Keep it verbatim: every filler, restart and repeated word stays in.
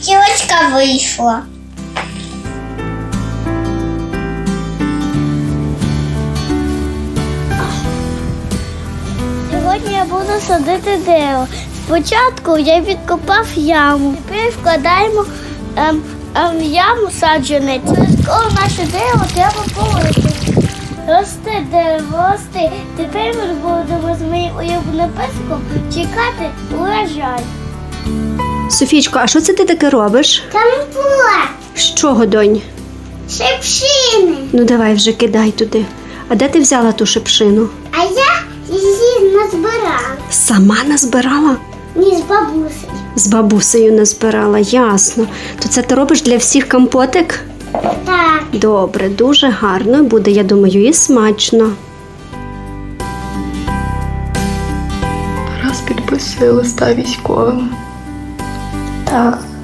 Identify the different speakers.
Speaker 1: Гілочка вийшла. Сьогодні я буду садити дерево. Спочатку я відкопав яму. Тепер вкладаємо ем, ем, в яму саджанець. Обов'язково наше дерево треба полити. Росте дерево, росте. Тепер ми будемо з моїм улюбленим песиком чекати урожай.
Speaker 2: Софійчко, а що це ти таке робиш?
Speaker 1: Компот.
Speaker 2: З чого, донь?
Speaker 1: Шипшини.
Speaker 2: Ну давай вже кидай туди. А де ти взяла ту шипшину?
Speaker 1: А я її назбирала.
Speaker 2: Сама назбирала?
Speaker 1: Ні, з бабусею.
Speaker 2: З бабусею назбирала, ясно. То це ти робиш для всіх компотик?
Speaker 1: Так.
Speaker 2: Добре, дуже гарно буде, я думаю, і смачно.
Speaker 3: Тарас підписує листа військовим.
Speaker 1: Так.